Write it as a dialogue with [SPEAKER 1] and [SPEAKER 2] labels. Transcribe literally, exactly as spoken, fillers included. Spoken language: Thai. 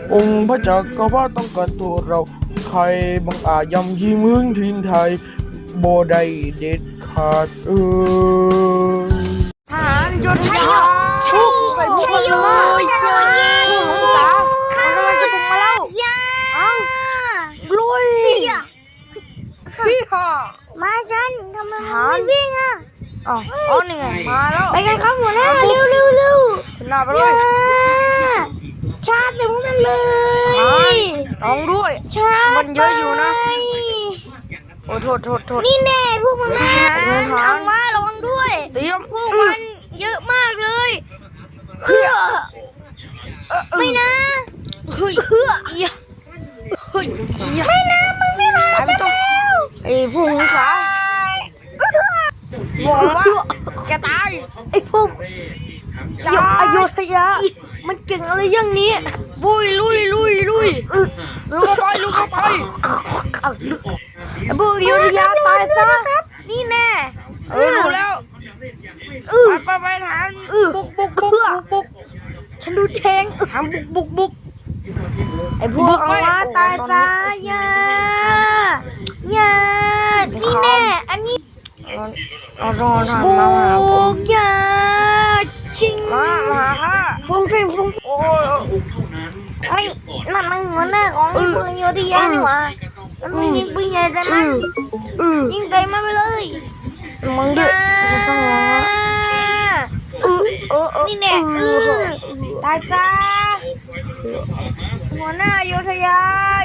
[SPEAKER 1] องค์พระจักรพรรดิต้องการตัวเราใครบังอาจยำยีมึงทินไทยบ่ได้เด็ดขาดเออ
[SPEAKER 2] ทหารหยุดใช่หรอชุกไปพวกมันเลยพวกของสามันกำลังจะบุกมาแล้วอ้าวลุยพี่ค่ะ
[SPEAKER 3] มาฉันทำไมมันไม่วิ่งอ่ะ
[SPEAKER 2] อ๋ออ๋อนี่ไงมาแล้ว
[SPEAKER 3] ไปกันครับหัวหน้าเร็วเร็วเร็ว
[SPEAKER 2] ขึ้นหน้าไปเลย
[SPEAKER 3] ชาติถึงกันเลย
[SPEAKER 2] ร้องด้วย
[SPEAKER 3] ชาติ
[SPEAKER 2] มันเยอะอยู่นะโอ้โทษโทษโทษ
[SPEAKER 3] นี่แน่พวกมันมาเอามาระวังด้วย
[SPEAKER 2] เตรียม
[SPEAKER 3] พวกมันเยอะมากเลยเฮ้อไม่นะ
[SPEAKER 2] เฮ้ยเฮ้ยเฮ้ย
[SPEAKER 3] ไม่นะมึงไม่มาจะเร็ว
[SPEAKER 2] ไอ้พวกมึงขาบอกว่าแกตาย
[SPEAKER 3] ไอ้พวก
[SPEAKER 2] อโยธยามันเก่งอะไรอย่างนี้บุยลุยลุยลุยลุกเข้าไปลุกเข้าไป
[SPEAKER 3] พวกอโยธยาตายซะนี่แน่
[SPEAKER 2] เออรู้แล้วไปไปทานบุกบุกบุกบุกบุก
[SPEAKER 3] ฉันดูแทง
[SPEAKER 2] ทำบุกบุกบุก
[SPEAKER 3] ไอ้พวกเอาว่าตายซะย่าย่านี่แน่อันนี้
[SPEAKER 2] เอารอทำ
[SPEAKER 3] บุ
[SPEAKER 2] มาหาผม
[SPEAKER 3] กย่าชิง
[SPEAKER 2] มามาค่ะ
[SPEAKER 3] ฟุ้งฟิ้งฟุ้ง
[SPEAKER 2] โอ้
[SPEAKER 3] ไอ้นั่นมันหัวหน้าของเมืองโยธยานี่หว่ามันไม่ยิงปืนใหญ่แต่มันยิงใจมันไปเลย
[SPEAKER 2] มึงด้วยจะต้องร้อง
[SPEAKER 3] เออเออนี่แน่ตายจ้าหัวหน้าโยธยา